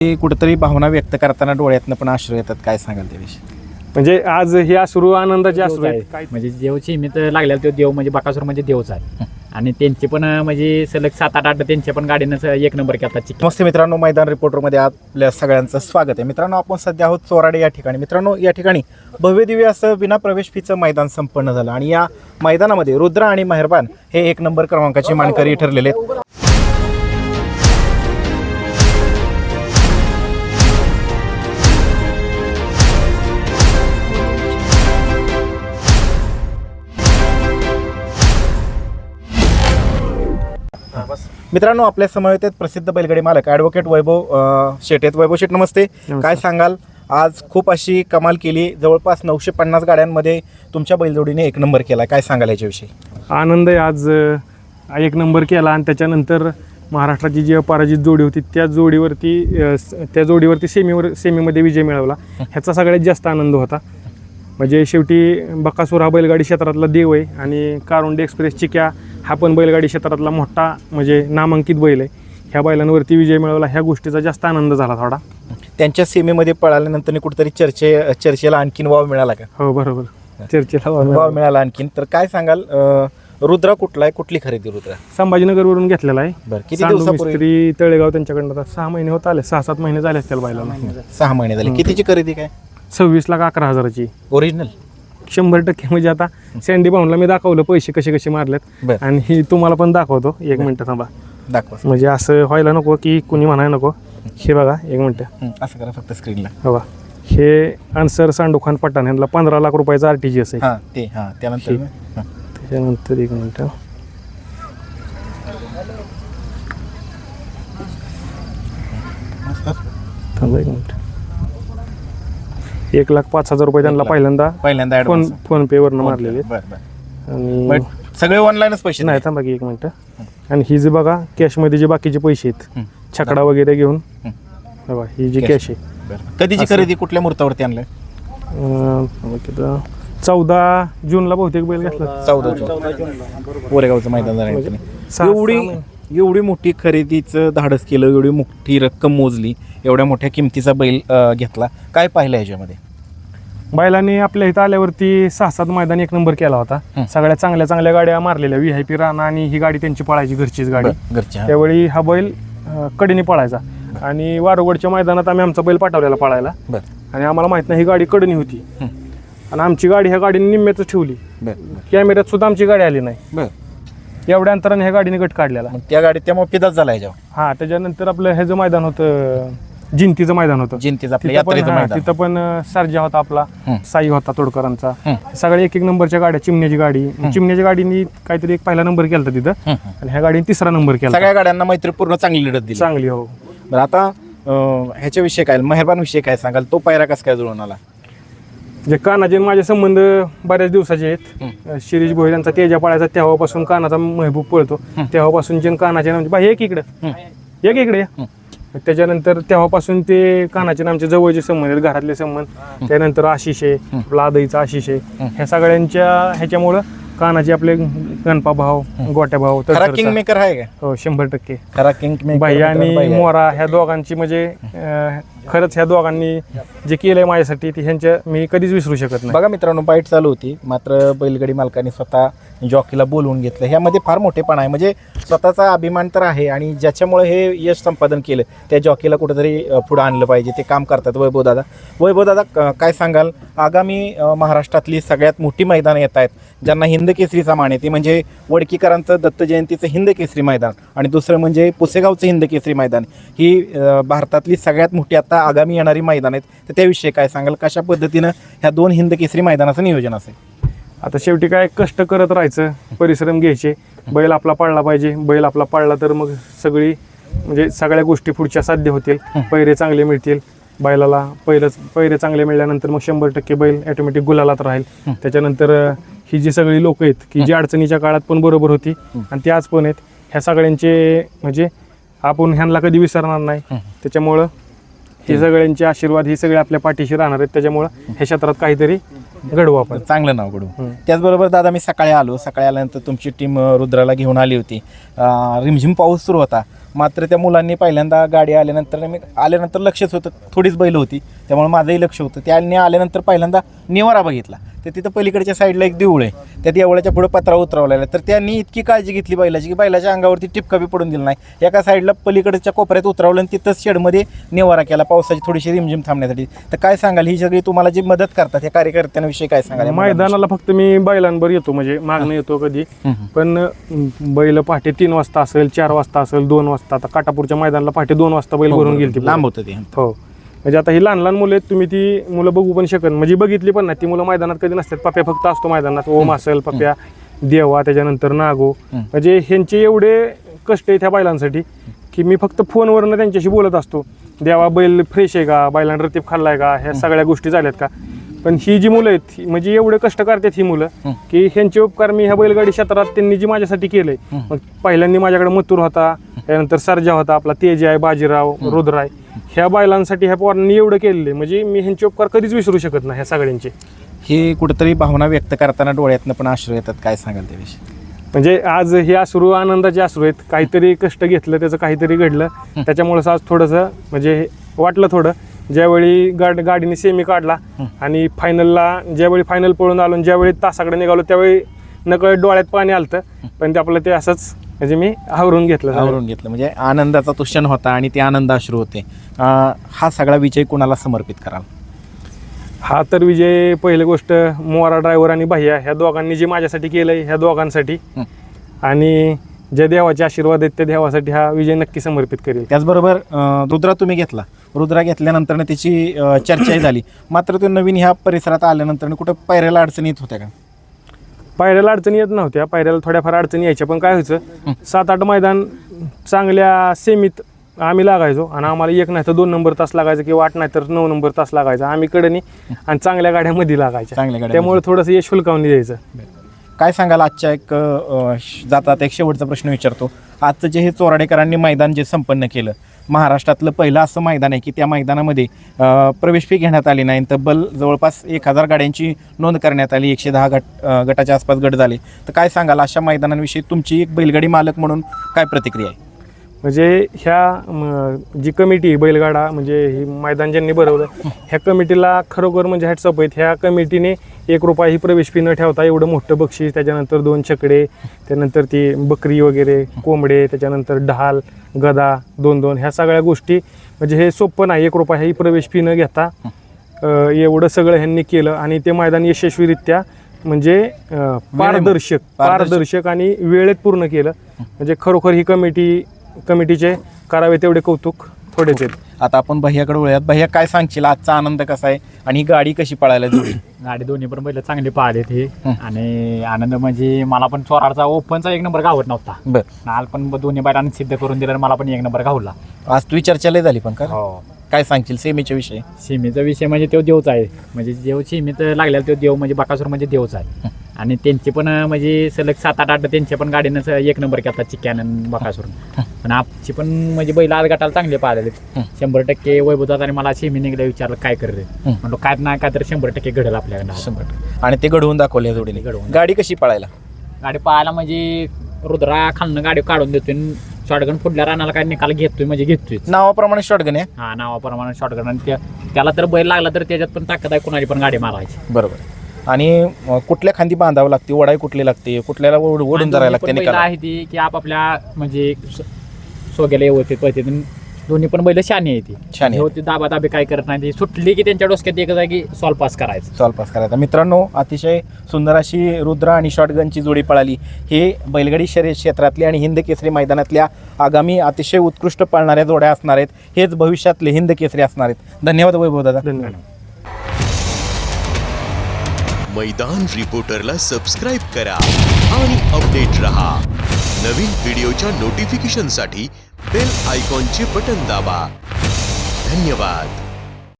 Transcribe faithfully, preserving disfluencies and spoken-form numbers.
कुठेतरी भावना व्यक्त करताना डोळ्यातनं पण अश्रू येतात, काय सांगाल त्याविषयी? म्हणजे आज हे अश्रू आनंदाचे अश्रू आहेत. काय म्हणजे देवची हिमीत लागलेला तो देव म्हणजे बकासूर म्हणजे देवच आहे. आणि त्यांचे पण म्हणजे सलग सात आठ आठ त्यांच्या पण गाडीनं एक नंबर केला. नमस्ते मित्रांनो, मैदान रिपोर्टरमध्ये आपल्या सगळ्यांचं स्वागत आहे. मित्रांनो, आपण सध्या आहोत चोराडे या ठिकाणी. मित्रांनो, या ठिकाणी भव्य दिव्य असं विना प्रवेश फीचं मैदान संपन्न झालं आणि या मैदानामध्ये रुद्र आणि मेहरबान हे एक नंबर क्रमांकाचे मानकरी ठरलेले आहेत. मित्रांनो, आपल्या समवेत आहेत प्रसिद्ध बैलगाडी मालक ॲडव्होकेट वैभव शेट आहेत. वैभव शेट, नमस्ते. काय सांगाल, आज खूप अशी कमाल केली, जवळपास नऊशे पन्नास गाड्यांमध्ये तुमच्या बैलजोडीने एक नंबर केला, काय सांगाल याच्याविषयी? आनंद आहे. आज एक नंबर केला आणि त्याच्यानंतर महाराष्ट्राची जी अपराजित जोडी होती त्या जोडीवरती त्या जोडीवरती सेमीवर सेमीमध्ये विजय मिळवला, ह्याचा सगळ्यात जास्त आनंद होता. म्हणजे शेवटी बकासूर हा बैलगाडी क्षेत्रातला देव आहे आणि कारुंडे एक्सप्रेस चिक्या हा पण बैलगाडी क्षेत्रातला मोठा म्हणजे नामांकित बैल आहे. ह्या बैलांवरती विजय मिळवला, ह्या गोष्टीचा जास्त आनंद झाला थोडा. त्यांच्या सेमीमध्ये पळाल्यानंतर कुठेतरी चर्चे चर्चेला आणखीन वाव मिळाला का? हो, बरोबर, चर्चेला वाव मिळाला आणखीन. तर काय सांगाल, रुद्रा कुठला आहे, कुठली खरेदी रुद्रा? संभाजीनगरवरून घेतलेला आहे. बरं, किती दिवसापूर्वी? मिस्त्री तळेगाव त्यांच्याकडनं आता सहा महिने होत आले, सहा सात महिने झाले असतील बैलाला. सहा महिने झाले. कितीची खरेदी काय? सव्वीस लाख अकरा हजाराची ओरिजिनल. शंभर टक्के. म्हणजे आता सँडी भाऊनला मी दाखवलं पैसे कसे कसे मारलेत आणि ही तुम्हाला पण दाखवतो. एक मिनिट थांबा, दाखवा. म्हणजे असं व्हायला नको की कुणी म्हणायला नको. हे बघा, एक मिनिट असं करा फक्त स्क्रीनला. हो, हे अन्सर सांडूखान पठाण यांना पंधरा लाख रुपयाचा आर टी जी एस आहे. हां, ते हां त्यानंतर त्याच्यानंतर एक मिनिट थांबा, एक मिनिट. एक लाख पाच हजार रुपये त्यांना पहिल्यांदा पहिल्यांदा फोन फोन पे वरनं मारलेले. बरं आणि बरं, सगळे ऑनलाईनच पैसे? नाही, थांबा की एक मिनिट. आणि ही जे बघा कॅशमध्ये जे बाकीचे पैसे आहेत, छकडा वगैरे घेऊन बघा, ही जी कॅश आहे. कधीची खरेदी, कुठल्या मुहूर्तावरती आणलंय? चौदा जूनला बहुतेक बैल घेतला. चौदा जून कोरेगावचं मैदान झालं. एवढी एवढी मोठी खरेदीचं धाडस केलं, एवढी मोठी रक्कम मोजली, एवढ्या मोठ्या किमतीचा बैल घेतला, काय पाहिलं याच्यामध्ये? बैलांनी आपल्या इथं आल्यावरती सहा सात मैदान एक नंबर केला होता. सगळ्या चांगल्या चांगल्या गाड्या मारलेल्या, व्ही आय पी राणा आणि ही गाडी त्यांची पळायची, घरचीच गाडी. घरच्या त्यावेळी हा बैल कडीने पळायचा आणि वारोगडच्या मैदानात आम्ही आमचा बैल पाठवलेला पळायला आणि आम्हाला माहित नाही ही गाडी कडणी होती आणि आमची गाडी ह्या गाडीने निम्म्याच ठेवली. कॅमेऱ्यात सुद्धा आमची गाडी आली नाही. एवढ्या अंतराने ह्या गाडीने गट काढलेला. त्या गाडीत त्यामुळे पिदाच झाला याच्यावर. हा, त्याच्यानंतर आपलं ह्याचं मैदान होतं, जिंतीचं मैदान होतं. जिंतीचं आपलं तिथं पण यात्रेचं हा, मैदान. तिथं पण सर्जा होता आपला, साई होता तोडकरांचा. सगळ्या एक एक नंबरच्या गाड्या. चिमण्याची गाडी चिमण्याच्या गाडीने काहीतरी एक पहिला नंबर केला तिथं आणि ह्या गाडीने तिसरा नंबर केला. सगळ्या गाड्यांना मैत्रीपूर्ण चांगली लढत दिली. चांगली. हो. बरं, आता ह्याच्याविषयी काय, मेहरबान विषयी काय सांगाल? तो पायरा कसा काय जुळून आला? जे कानाचे माझे संबंध बऱ्याच दिवसाचे आहेत. शिरीष भोई यांचा तेजा पळायचा, तेव्हापासून कानाचा महबूब पळतो, तेव्हापासून जे कानाचे नामचे बाई एक इकडं एक इकडे त्याच्यानंतर तेव्हापासून ते कानाचे नामचे जवळचे संबंध आहेत, घरातले संबंध. त्यानंतर आशिष आहे, आपला आदईचा आशिष आहे. ह्या सगळ्यांच्या ह्याच्यामुळं कानाचे आपले गणपा भाव, गोट्या भाव, खरा किंग मेकर आहे का? हो, शंभर टक्के. खरा किंग बाई आणि मोरा ह्या दोघांची म्हणजे खरंच ह्या दोघांनी जे केलंय माझ्यासाठी ते ह्यांच्या मी कधीच विसरू शकत नाही. बघा मित्रांनो, बाईट चालू होती, मात्र बैलगाडी मालकाने स्वतः जॉकीला बोलवून घेतलं. ह्यामध्ये फार मोठेपणा आहे. म्हणजे स्वतःचा अभिमान तर आहे आणि ज्याच्यामुळे हे यश संपादन केलं त्या जॉकीला कुठेतरी पुढं आणलं पाहिजे. ते काम करतात वैभव दादा. वैभव दादा, काय सांगाल, आगामी महाराष्ट्रातली सगळ्यात मोठी मैदानं येत आहेत ज्यांना हिंद केसरीचा मान आहे, ते म्हणजे वडकीकरांचं दत्त जयंतीचं हिंद केसरी मैदान आणि दुसरं म्हणजे पुसेगावचं हिंद केसरी मैदान. ही भारतातली सगळ्यात मोठी आता आगामी येणारी मैदान आहेत. तर त्याविषयी काय सांगाल, कशा पद्धतीनं ह्या दोन हिंद केसरी मैदानाचं नियोजन असेल? आता शेवटी काय, कष्ट करत राहायचं, परिश्रम घ्यायचे. बैल आपला पाळला पाहिजे. बैल आपला पाळला तर मग सगळी म्हणजे सगळ्या गोष्टी पुढच्या साध्य होतील. पैरे चांगले मिळतील बैलाला. पहिलंच पैरे चांगले मिळाल्यानंतर मग शंभर टक्के बैल ऑटोमॅटिक गुलालात राहील. त्याच्यानंतर ही जी सगळी लोक आहेत की जी अडचणीच्या काळात पण बरोबर होती आणि ती आज पण आहेत, ह्या सगळ्यांचे म्हणजे आपण ह्यांना कधी विसरणार नाही. त्याच्यामुळं हे सगळ्यांचे आशीर्वाद ही सगळे आपल्या पाठीशी राहणार आहेत. त्याच्यामुळं ह्या क्षेत्रात काहीतरी घडवू आपण, चांगलं नाव घडवू. त्याचबरोबर दादा, मी सकाळी आलो, सकाळी आल्यानंतर तुमची टीम रुद्राला घेऊन आली होती. रिमझिम पाऊस सुरू होता, मात्र त्या मुलांनी पहिल्यांदा गाडी आल्यानंतर मी आल्यानंतर लक्षच होतं, थोडीच बैल होती त्यामुळे माझंही लक्ष होतं. त्यांनी आल्यानंतर पहिल्यांदा निवारा बघितला, तर तिथं पलीकडच्या साईडला एक देऊळ आहे, त्या देवळाच्या पुढे पत्रा उतरवलेला आहे. तर त्यांनी इतकी काळजी घेतली बैलाची की बैलाच्या अंगावरती टिपका बी पडून दिला नाही. एका साईडला पलीकडच्या कोपऱ्यात उतरवलं आणि तिथंच शेडमध्ये निवारा केला पावसाची थोडीशी रिमझिम थांबण्यासाठी. तर काय सांगाल, ही सगळी तुम्हाला जी मदत करतात या कार्यकर्त्यांविषयी काय सांगाल? मैदानाला फक्त मी बैलांवर येतो, म्हणजे मागणं येतो कधी, पण बैल पहाटे तीन वाजता असेल, चार वाजता असेल, दोन वाजता. आता काटापूरच्या मैदानाला पहाटे दोन वाजता बैल भरून गेली, लांब होतं ते. हो, म्हणजे आता ही लहान लहान मुलं आहेत, तुम्ही ती मुलं बघू पण शकत, म्हणजे बघितली पण नाही ती मुलं मैदानात कधी नसतात. पप्या फक्त असतो मैदानात, ओम असेल, पप्या, देवा, त्याच्यानंतर नागो. म्हणजे ह्यांचे एवढे कष्ट आहे त्या बैलांसाठी की मी फक्त फोनवरनं त्यांच्याशी बोलत असतो. देवा बैल फ्रेश आहे का, बैलांना रतीब खाल्लाय का, ह्या सगळ्या गोष्टी झाल्यात का. पण ही जी मुलं आहेत म्हणजे एवढे कष्ट करतात ही मुलं की ह्यांचे उपकार मी ह्या बैलगाडी क्षेत्रात त्यांनी जी माझ्यासाठी केलंय. मग पहिल्यांदा माझ्याकडे मथुर होता, त्यानंतर सर्जा होता, आपला तेज आहे, बाजीराव, रुद्राय, ह्या बैलांसाठी ह्या पोरांनी एवढं केलेलं म्हणजे मी ह्यांचे उपकार कधीच विसरू शकत नाही ह्या सगळ्यांचे. हे कुठेतरी भावना व्यक्त करताना डोळ्यातनं पण अश्रू येतात, काय सांगाल त्याविषयी? म्हणजे आज हे अश्रू आनंदाचे अश्रू आहेत. काहीतरी कष्ट घेतलं, त्याचं काहीतरी घडलं, त्याच्यामुळेच आज थोडंसं म्हणजे वाटलं थोडं. ज्यावेळी गाड गाडीने सेमी काढला आणि फायनलला ज्यावेळी फायनल पळून आलो आणि ज्यावेळी तासाकडे निघालो त्यावेळी नकळत डोळ्यात पाणी आलतं, पण ते आपलं ते असंच म्हणजे मी आवरून घेतलं आवरून घेतलं म्हणजे आनंदाचा तो क्षण होता आणि ते आनंद अश्रू होते. हा सगळा विजय कोणाला समर्पित कराल? हा तर विजय पहिली गोष्ट मोरा ड्रायव्हर आणि भैया ह्या दोघांनी जे माझ्यासाठी केलंय, ह्या दोघांसाठी आणि ज्या देवाचे आशीर्वाद आहेत त्या देवासाठी हा विजय नक्की समर्पित करेल. त्याचबरोबर रुद्रा तुम्ही घेतला, रुद्रा घेतल्यानंतर त्याची चर्चाही झाली, मात्र तो नवीन ह्या परिसरात आल्यानंतर कुठं पायऱ्याला अडचणी येत होत्या का? पायऱ्याला अडचणी येत नव्हत्या, पायऱ्याला थोड्याफार अडचणी यायच्या, पण काय व्हायचं सात आठ मैदान चांगल्या सेमीत आम्ही लागायचो आणि आम्हाला एक नाही तर दोन नंबर तास लागायचं किंवा आठ नाही तर नऊ नंबर तास लागायचा. आम्ही कडनी आणि चांगल्या गाड्यामध्ये लागायच्या, चांगल्या गाड्या, त्यामुळे थोडंसं यश फुलकावून द्यायचं. काय सांगाल आजच्या एक जातात एक शेवटचा प्रश्न विचारतो. आजचं जे हे चोराडेकरांनी मैदान जे संपन्न केलं, महाराष्ट्रातलं पहिलं असं मैदान आहे की त्या मैदानामध्ये प्रवेश फी घेण्यात आली नाही, तब्बल जवळपास एक हजार गाड्यांची नोंद करण्यात आली, एकशे दहा गट गटाच्या आसपास गट झाले. तर काय सांगाल अशा मैदानांविषयी तुमची एक बैलगाडी मालक म्हणून काय प्रतिक्रिया आहे? म्हणजे ह्या जी कमिटी बैलगाडा म्हणजे ही मैदान ज्यांनी भरवलं ह्या कमिटीला खरोखर म्हणजे हॅट्सअप आहेत. ह्या कमिटीने एक रुपया ही प्रवेश फी न ठेवता एवढं मोठं बक्षीस, त्याच्यानंतर दोन छकडे, त्यानंतर ती बकरी वगैरे, कोंबडे, त्याच्यानंतर ढाल, गदा दोन दोन, ह्या सगळ्या गोष्टी म्हणजे हे सोपं नाही. एक रुपया ही प्रवेश फी न घेता एवढं सगळं ह्यांनी केलं आणि ते मैदान यशस्वीरित्या म्हणजे पारदर्शक पारदर्शक आणि वेळेत पूर्ण केलं. म्हणजे खरोखर ही कमिटी कमिटीचे करावे तेवढे कौतुक थोडेच आहेत. आता आपण भैयाकडे वळूयात. भैया काय सांगशील, आजचा आनंद कसा आहे आणि ही गाडी कशी पळायला जोडी? गाडी दोन्ही पण बैल चांगली पाहिलेत हे आणि आनंद म्हणजे मला पण चोराडचा ओपनचा एक नंबर गावत नव्हता, बरं नाल पण दोन्ही बैलांनी सिद्ध करून दिलं, मला पण एक नंबर गावला. आज तुझी चर्चा लय झाली पण का? हो. काय सांगशील सेमीच्या विषयी? सीमेचा विषय म्हणजे तो देवच आहे, म्हणजे देव सीमेत लागलेला तो देव म्हणजे बकासूर म्हणजे देवच आहे आणि त्यांचे पण म्हणजे सलग सात आठ आठ त्यांच्या पण गाडीनं एक नंबर केला चिक्क्यानं बकासूर. पण आपची पण म्हणजे बैल आज गटाला चांगले पाहिलेले शंभर टक्के. वैभवतात आणि मला सेमी निघल्या विचारलं काय करते, म्हणलो काय नाही काय तर शंभर टक्के घडेल आपल्याकडे शंभर टक्के. आणि ते घडवून दाखवले जोडीने. घडवून गाडी कशी पळायला? गाडी पाहायला म्हणजे रुद्रा खालनं गाडी काढून देतोय, शॉटगन फुडल्या रानाला काय निकाल घेतोय म्हणजे घेतोय नावाप्रमाणे शॉटगन आहे. हा नावाप्रमाणे शॉटगन आणि त्या त्याला तर बैल लागला तर त्याच्यात पण ताकद आहे, कुणाची पण गाडी मारायची. बरोबर. आणि कुठल्या खांदी बांधावं लागते, ओढाई कुठली लागते, कुठल्याला ओढ- ओढून धरायला लागते निकाल आहे ती की आपापल्या म्हणजे सोग्याला व्यवस्थित पळते. दोन्ही पण बैल शानी आहे ती, शानी आहे. होती दाबा दाबी काय करत नाही, ती सुटली की त्यांच्या डोसक्यात एक जागी सॉल्व पास करायचं. सॉल्व पास करायचा. मित्रांनो, अतिशय सुंदर अशी रुद्रा आणि शॉटगनची जोडी पळाली. हे बैलगाडी शर्यत क्षेत्रातली आणि हिंद केसरी मैदानातल्या आगामी अतिशय उत्कृष्ट पळणाऱ्या जोड्या असणार आहेत. हेच भविष्यातले हिंद केसरी असणार आहेत. धन्यवाद वैभव दादा. धन्यवाद. मैदान रिपोर्टरला सबस्क्राइब करा आणि अपडेट रहा. नवीन व्हिडिओच्या नोटिफिकेशनसाठी बेल आयकॉनचे बटन दाबा. धन्यवाद.